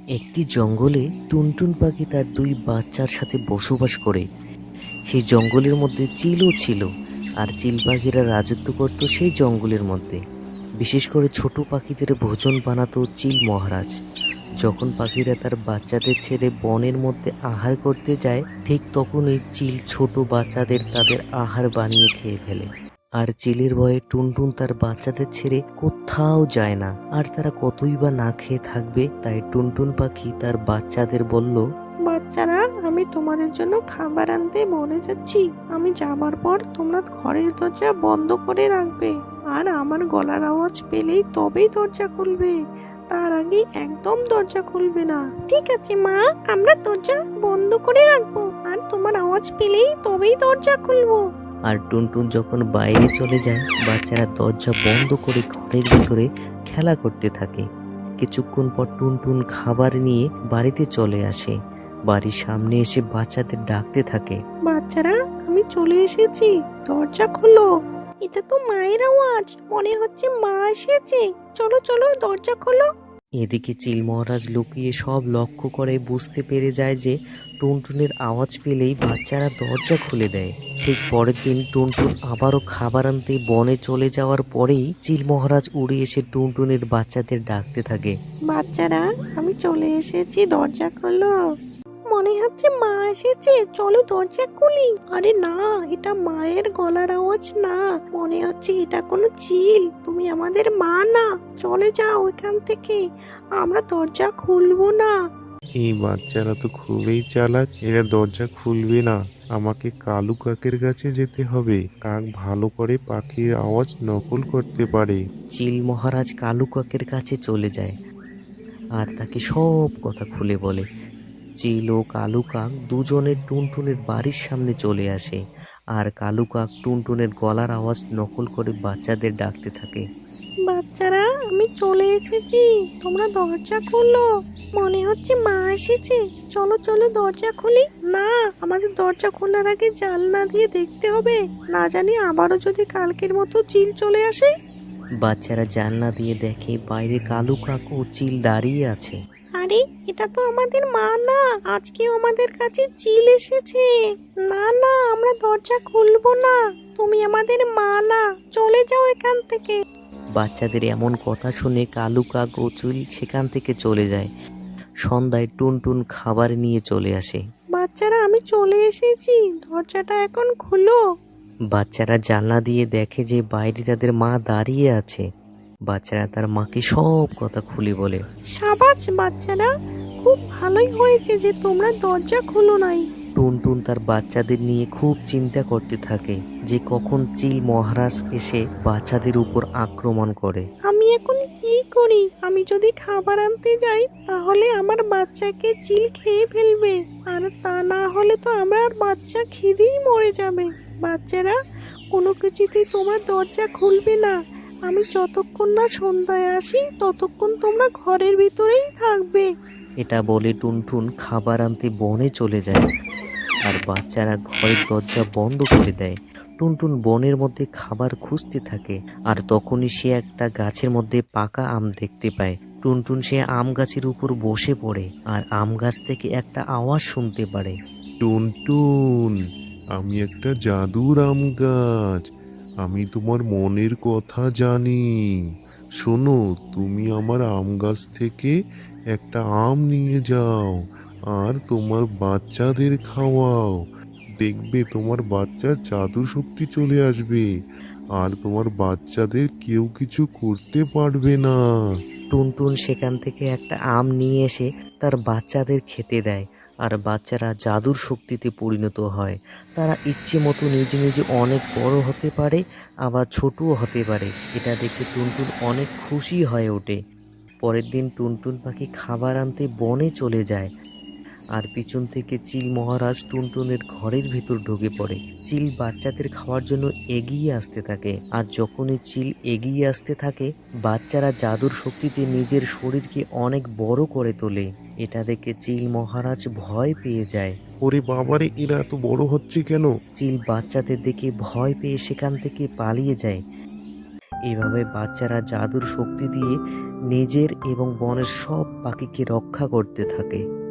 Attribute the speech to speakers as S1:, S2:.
S1: একটি জঙ্গলে টুনটুন পাখি তার দুই বাচ্চার সাথে বসবাস করে। সেই জঙ্গলের মধ্যে চিলও ছিল, আর চিল পাখিরা রাজত্ব করত সেই জঙ্গলের মধ্যে। বিশেষ করে ছোট পাখিদের ভোজন বানাতো চিল মহারাজ। যখন পাখিরা তার বাচ্চাদের ছেড়ে বনের মধ্যে আহার করতে যায়, ঠিক তখনই চিল ছোট বাচ্চাদের তাদের আহার বানিয়ে খেয়ে ফেলে। আর চিলের ভয়ে টুনটুন তার বাচ্চাদের ছেড়ে কোথাও যায় না। আর তারা কতই বা না খেয়ে থাকবে, তাই টুনটুন পাখি তার বাচ্চাদের বলল,
S2: বাচ্চারা, আমি তোমাদের জন্য খাবার আনতে বনে যাচ্ছি। আমি যাবার পর তোমরা ঘরের দরজা বন্ধ করে রাখবে, আর আমার গলার আওয়াজ পেলেই তবেই দরজা খুলবে। তার আগে একদম দরজা খুলবে না। ঠিক আছে মা, আমরা দরজা বন্ধ করে রাখবো, আর তোমার আওয়াজ পেলেই তবেই দরজা খুলবো।
S1: আর টুনটুন যখন বাইরে চলে যায়, বাচ্চারা দরজা বন্ধ করে ঘরের ভিতরে খেলা করতে থাকে। কিছুক্ষণ পর টুনটুন খাবার নিয়ে বাড়িতে চলে আসে। বাড়ির সামনে এসে বাচ্চাদের ডাকতে থাকে,
S2: বাচ্চারা, আমি চলে এসেছি, দরজা খোলো। এটা তো মায়ের আওয়াজ, মনে হচ্ছে মা এসেছে। চলো চলো, দরজা খোলো।
S1: এদিকে চিল মহারাজ লুকিয়ে সব লক্ষ্য করে বুঝতে পেরে যায় যে টুনটুনের আওয়াজ পেলেই বাচ্চারা দরজা খুলে দেয়। ঠিক পরের দিন টুনটুন আবারও খাবার আনতে বনে চলে যাওয়ার পরেই চিল মহারাজ উড়ে এসে টুনটুনের বাচ্চাদের ডাকতে থাকে,
S2: বাচ্চারা, আমি চলে এসেছি, দরজা খোলো। মনে হচ্ছে মা এসেছে, চলো দরজা খুলি। আরে না, এটা মায়ের গলার আওয়াজ না, মনে হচ্ছে এটা কোনো চিল। তুমি আমাদের মা না, চলে যাও এখান থেকে, আমরা দরজা খুলবো না।
S3: এই বাচ্চারা তো খুবই চালাক, এরা দরজা খুলবে না। আমাকে কালু কাকের কাছে যেতে হবে। কাক ভালো করে পাখির আওয়াজ নকল করতে পারে।
S1: চিল মহারাজ কালু কাকের কাছে চলে যায় আর তাকে সব কথা খুলে বলে। চিল ও কালু কাক দুজনে টুনটুনের বাড়ির সামনে চলে আসে, আর কালু কাক টুনটুনের গলার আওয়াজ নকল করে বাচ্চাদের ডাকতে থাকে,
S2: বাচ্চারা, আমি চলে এসেছি, তোমরা দরজা খোলো। মনে হচ্ছে মা এসেছে, চলো চলো দরজা খুলি। না, আমাদের দরজা খোলার আগে জানলা দিয়ে দেখতে হবে, না জানি আবারও যদি কালকের মতো চিল চলে আসে।
S1: বাচ্চারা জানলা দিয়ে দেখে বাইরে কালু কাক ও চিল দাঁড়িয়ে আছে।
S2: আরে, এটা তো আমাদের মা না, আজকেও আমাদের কাছে চিল এসেছে। না না, আমরা দরজা খুলবো না, তুমি আমাদের মা না, চলে যাও এখান থেকে।
S1: বাচ্চাদের এমন কথা শুনে কালু কাক ও চিল সেখান থেকে চলে যায়। সন্ধ্যায় টুনটুন খাবার নিয়ে চলে আসে।
S2: বাচ্চারা, আমি চলে এসেছি, দরজাটা এখন খুলো।
S1: বাচ্চারা জানলা দিয়ে দেখে যে বাইরে তাদের মা দাঁড়িয়ে আছে। বাচ্চারা তার মাকে সব কথা খুলে বলে,
S2: সাবাস বাচ্চারা, খুব ভালোই হয়েছে যে তোমরা দরজা খুলো নাই।
S1: টুনটুন তার বাচ্চাদের নিয়ে খুব চিন্তা করতে থাকে যে কখন চিল মহারাজ এসে বাচ্চাদের উপর আক্রমণ করে।
S2: আমি এখন কি করি? আমি যদি খাবার আনতে যাই তাহলে আমার বাচ্চাকে চিল খেয়ে ফেলবে, আর তা না হলে তো আমার বাচ্চা খিদেই মরে যাবে। বাচ্চারা, কোনো কিছুতেই তোমরা দরজা খুলবে না। আমি যতক্ষণ না সন্ধ্যায় আসি ততক্ষণ তোমরা ঘরের ভিতরেই থাকবে।
S1: এটা বলে টুনটুন খাবার আনতে বনে চলে যায়, আর বাচ্চারা ঘরের দরজা বন্ধ করে দেয়। টুনটুন বনের মধ্যে খাবার খুঁজতে থাকে, আর তখনই সে একটা গাছের মধ্যে পাকা আম দেখতে পায়। টুনটুন সে আম গাছের উপর বসে পড়ে, আর আম গাছ থেকে একটা আওয়াজ শুনতে পারে,
S3: টুনটুন, আমি একটা জাদুর আম গাছ। আমি তোমার মনের কথা জানি। শোনো, তুমি আমার আম গাছ থেকে একটা আম নিয়ে যাও, আর তোমার বাচ্চাদের খাওয়াও। দেখবে তোমার বাচ্চার জাদু শক্তি চলে আসবে, আর তোমার বাচ্চাদের কেউ কিছু করতে পারবে না।
S1: টুনটুন সেখান থেকে একটা আম নিয়ে এসে তার বাচ্চাদের খেতে দেয়, আর বাচ্চারা জাদুর শক্তিতে পরিণত হয়। তারা ইচ্ছে মতো নিজে নিজে অনেক বড় হতে পারে, আবার ছোটও হতে পারে। এটা দেখে টুনটুন অনেক খুশি হয়ে ওঠে। পরের দিন টুনটুন পাখি খাবার আনতে বনে চলে যায়, আর পিছন থেকে চিল মহারাজ টুনটুনের ঘরের ভিতর ঢুকে পড়ে। চিল বাচ্চাদের খাওয়ার জন্য এগিয়ে আসতে থাকে, আর যখনই চিল এগিয়ে আসতে থাকে, বাচ্চারা জাদুর শক্তিতে নিজের শরীরকে অনেক বড় করে তোলে। এটা দেখে চিল মহারাজ ভয় পেয়ে যায়।
S3: ওরে বাবারে, এরা এত বড় হচ্ছে কেন?
S1: চিল বাচ্চাদের দেখে ভয় পেয়ে সেখান থেকে পালিয়ে যায়। এভাবে বাচ্চারা জাদুর শক্তি দিয়ে নিজের এবং বনের সব পাখিকে রক্ষা করতে থাকে।